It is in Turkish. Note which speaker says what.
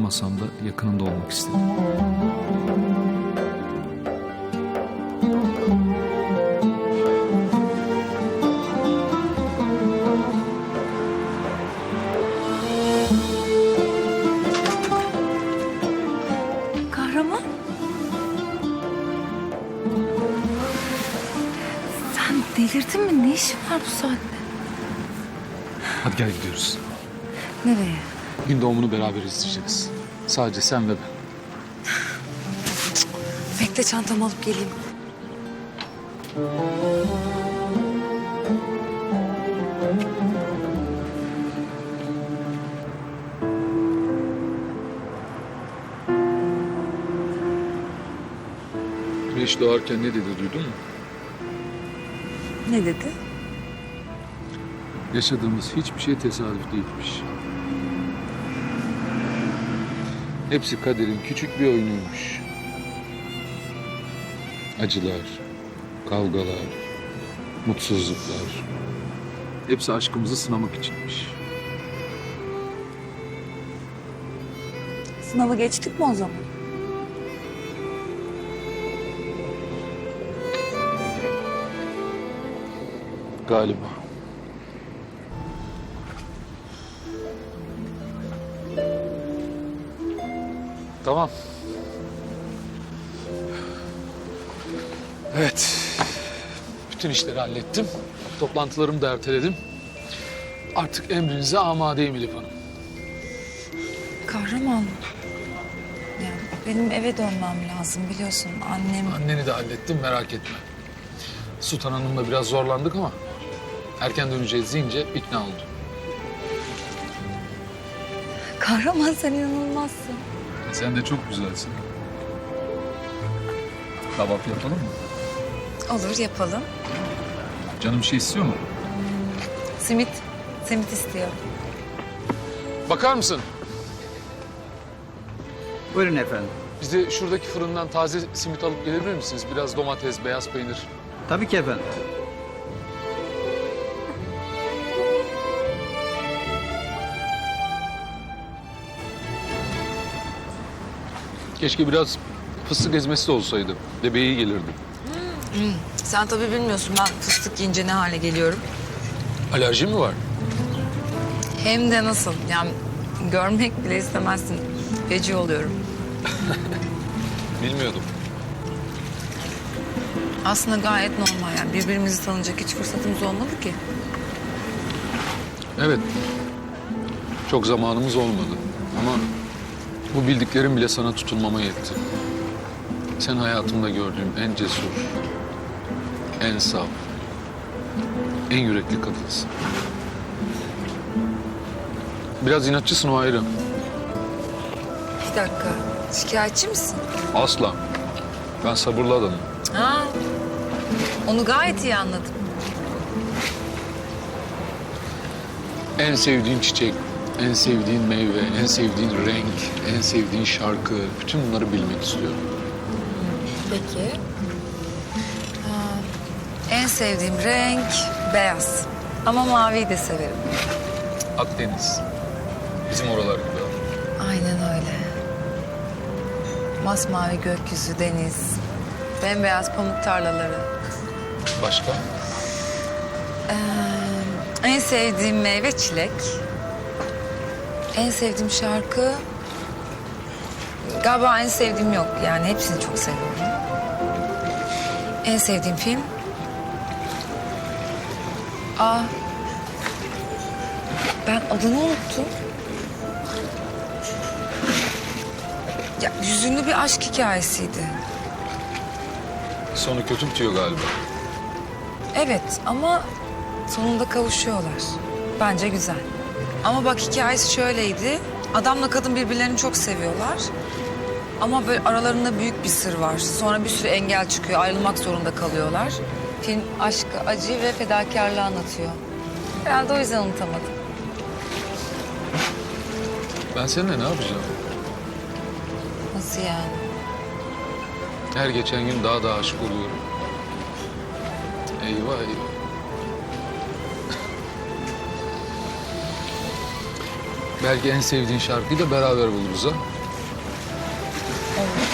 Speaker 1: olamasam da yakınında olmak istedim.
Speaker 2: Kahraman. Sen delirdin mi? Ne işin var bu saatte?
Speaker 1: Hadi gel gidiyoruz.
Speaker 2: Nereye?
Speaker 1: Gün doğumunu beraber izleyeceğiz. Sadece sen ve ben.
Speaker 2: Bekle, çantamı alıp geleyim.
Speaker 1: Güneş doğarken ne dedi duydun mu?
Speaker 2: Ne dedi?
Speaker 1: Yaşadığımız hiçbir şey tesadüf değilmiş. Hepsi kaderin küçük bir oyunuymuş. Acılar, kavgalar, mutsuzluklar. Hepsi aşkımızı sınamak içinmiş.
Speaker 2: Sınavı geçtik mi o zaman?
Speaker 1: Galiba. Tamam. Evet. Bütün işleri hallettim. Toplantılarımı da erteledim. Artık emrinize amadeyim Elif Hanım.
Speaker 2: Kahraman. Ya benim eve dönmem lazım, biliyorsun. Annem...
Speaker 1: Anneni de hallettim, merak etme. Sultan Hanım'la biraz zorlandık ama erken döneceğiz deyince ikna oldu.
Speaker 2: Kahraman, sen inanılmazsın.
Speaker 1: Sen de çok güzelsin. Kahvaltı yapalım mı?
Speaker 2: Olur, yapalım.
Speaker 1: Canım bir şey istiyor mu?
Speaker 2: Simit. Simit istiyorum.
Speaker 1: Bakar mısın?
Speaker 3: Buyurun efendim.
Speaker 1: Bize şuradaki fırından taze simit alıp gelebilir misiniz? Biraz domates, beyaz peynir.
Speaker 3: Tabii ki efendim.
Speaker 1: Keşke biraz fıstık ezmesi de olsaydı. Bebeğe iyi gelirdi.
Speaker 2: Sen tabii bilmiyorsun, ben fıstık yiyince ne hale geliyorum.
Speaker 1: Alerji mi var?
Speaker 2: Hem de nasıl? Yani görmek bile istemezsin. Feci oluyorum.
Speaker 1: Bilmiyordum.
Speaker 2: Aslında gayet normal yani. Birbirimizi tanıyacak hiç fırsatımız olmadı ki.
Speaker 1: Evet. Çok zamanımız olmadı. Ama bu bildiklerim bile sana tutunmama yetti. Sen hayatımda gördüğüm en cesur, en saf, en yürekli kadınsın. Biraz inatçısın, o ayrı.
Speaker 2: Bir dakika. Şikayetçi misin?
Speaker 1: Asla. Ben sabırlı adamım.
Speaker 2: Ha. Onu gayet iyi anladım.
Speaker 1: En sevdiğin çiçek, en sevdiğin meyve, en sevdiğin renk, en sevdiğin şarkı... bütün bunları bilmek istiyorum.
Speaker 2: Peki. En sevdiğim renk beyaz. Ama maviyi de severim.
Speaker 1: Akdeniz. Bizim oralar gibi.
Speaker 2: Aynen öyle. Masmavi gökyüzü, deniz, bembeyaz pamuk tarlaları.
Speaker 1: Başka?
Speaker 2: En sevdiğim meyve çilek. En sevdiğim şarkı... Galiba en sevdiğim yok. Yani hepsini çok seviyorum. En sevdiğim film... Ben adını unuttum. Ya hüzünlü bir aşk hikayesiydi.
Speaker 1: Sonu kötü bitiyor galiba.
Speaker 2: Evet ama sonunda kavuşuyorlar. Bence güzel. Ama bak, hikayesi şöyleydi. Adamla kadın birbirlerini çok seviyorlar. Ama böyle aralarında büyük bir sır var. Sonra bir sürü engel çıkıyor. Ayrılmak zorunda kalıyorlar. Film aşkı, acı ve fedakarlığı anlatıyor. Herhalde o yüzden unutamadım.
Speaker 1: Ben seninle ne yapacağım?
Speaker 2: Nasıl yani?
Speaker 1: Her geçen gün daha da aşık oluyorum. Eyvah eyvah. Belki en sevdiğin şarkıyı da beraber buluruz ha.
Speaker 2: Olur.